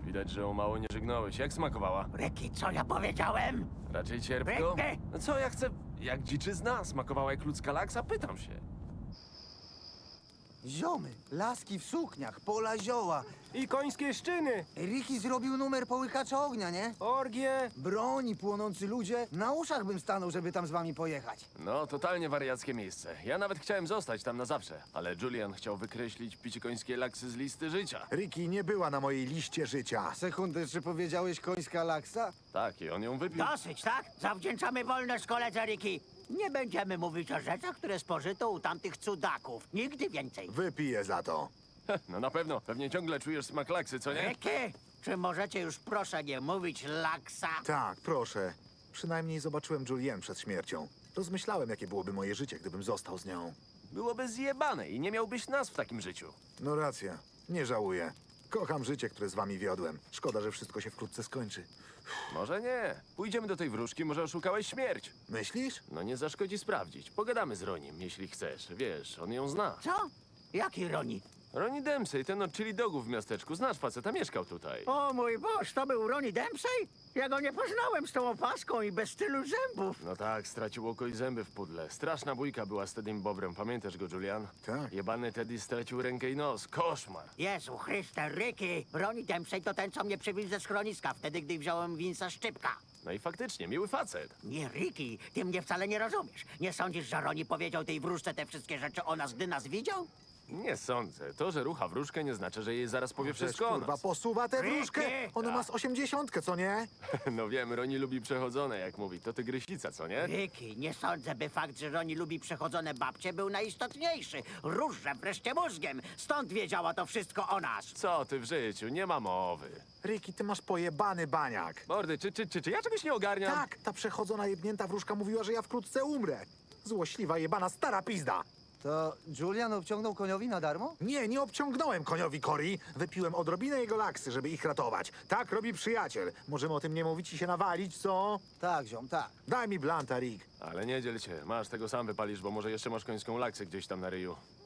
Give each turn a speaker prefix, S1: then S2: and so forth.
S1: Widać, że o mało nie żygnąłeś. Jak smakowała?
S2: Ryki, co ja powiedziałem?
S1: Raczej cierpko?
S2: Ryki!
S1: No co ja chcę? Jak dziczyzna? Smakowała jak ludzka laksa? Pytam się.
S3: Ziomy, laski w sukniach, pola zioła.
S4: I końskie szczyny,
S3: Ricky zrobił numer połykacza ognia, nie?
S4: orgie.
S3: Broni, płonący ludzie. Na uszach bym stanął, żeby tam z wami pojechać.
S1: No, totalnie wariackie miejsce. Ja nawet chciałem zostać tam na zawsze, ale Julian chciał wykreślić picie końskie laksy z listy życia.
S5: Ricky nie była na mojej liście życia.
S3: Sekundę, czy powiedziałeś końska laksa?
S1: Tak, i on ją wypił.
S2: Dosyć, tak? Zawdzięczamy wolność koledze Ryki. Nie będziemy mówić o rzeczach, które spożyto u tamtych cudaków. Nigdy więcej.
S5: Wypiję za to.
S1: No na pewno, pewnie ciągle czujesz smak laksy, co nie?
S2: Ryki, czy możecie już proszę nie mówić laksa?
S5: Tak, proszę. Przynajmniej zobaczyłem Julienne przed śmiercią. Rozmyślałem, jakie byłoby moje życie, gdybym został z nią.
S1: Byłoby zjebane i nie miałbyś nas w takim życiu.
S5: No racja, nie żałuję. Kocham życie, które z wami wiodłem. Szkoda, że wszystko się wkrótce skończy.
S1: Może nie. Pójdziemy do tej wróżki, może oszukałeś śmierć.
S5: Myślisz?
S1: No nie zaszkodzi sprawdzić. Pogadamy z Ronim, jeśli chcesz. Wiesz, on ją zna.
S2: Co? Jaki Roni?
S1: Ronnie Dempsey, ten od chili dogów w miasteczku. Znasz faceta, mieszkał tutaj.
S2: O mój Boż, to był Ronnie Dempsey? Ja go nie poznałem z tą opaską i bez tylu zębów.
S1: No tak, stracił oko i zęby w pudle. Straszna bójka była z Teddym Bobrem. Pamiętasz go, Julian?
S5: Tak.
S1: Jebany Teddy stracił rękę i nos. Koszmar.
S2: Jezu Chryste, Ryki! Ronnie Dempsey to ten, co mnie przywiózł ze schroniska, wtedy, gdy wziąłem Vince'a Szczypka.
S1: No i faktycznie, miły facet.
S2: Nie, Ricky, ty mnie wcale nie rozumiesz. Nie sądzisz, że Ronnie powiedział tej wróżce te wszystkie rzeczy o nas, gdy nas widział?
S1: Nie sądzę. To, że rucha wróżkę, nie znaczy, że jej zaraz powie wszystko o
S5: Kurwa,
S1: nas.
S5: posuwa tę
S2: Ricky!
S5: wróżkę! Ona ma z 80, co nie?
S1: No wiem, Ronnie lubi przechodzone, jak mówi. To tygrysica, co nie?
S2: Ricky, nie sądzę, by fakt, że Ronnie lubi przechodzone babcie, był najistotniejszy. Różże wreszcie mózgiem. Stąd wiedziała to wszystko o nas.
S1: Co ty w życiu? Nie ma mowy.
S5: Ricky, ty masz pojebany baniak.
S1: Mordy, czy ja czegoś nie ogarniam?
S5: Tak, ta przechodzona jebnięta wróżka mówiła, że ja wkrótce umrę. Złośliwa jebana stara pizda.
S3: To Julian obciągnął koniowi na darmo?
S5: Nie, nie obciągnąłem koniowi Cory. Wypiłem odrobinę jego laksy, żeby ich ratować. Tak robi przyjaciel. Możemy o tym nie mówić i się nawalić, co?
S3: Tak, ziom, tak.
S5: Daj mi blanta, Rick.
S1: Ale nie dziel się. Masz, tego sam wypalisz, bo może jeszcze masz końską laksę gdzieś tam na ryju.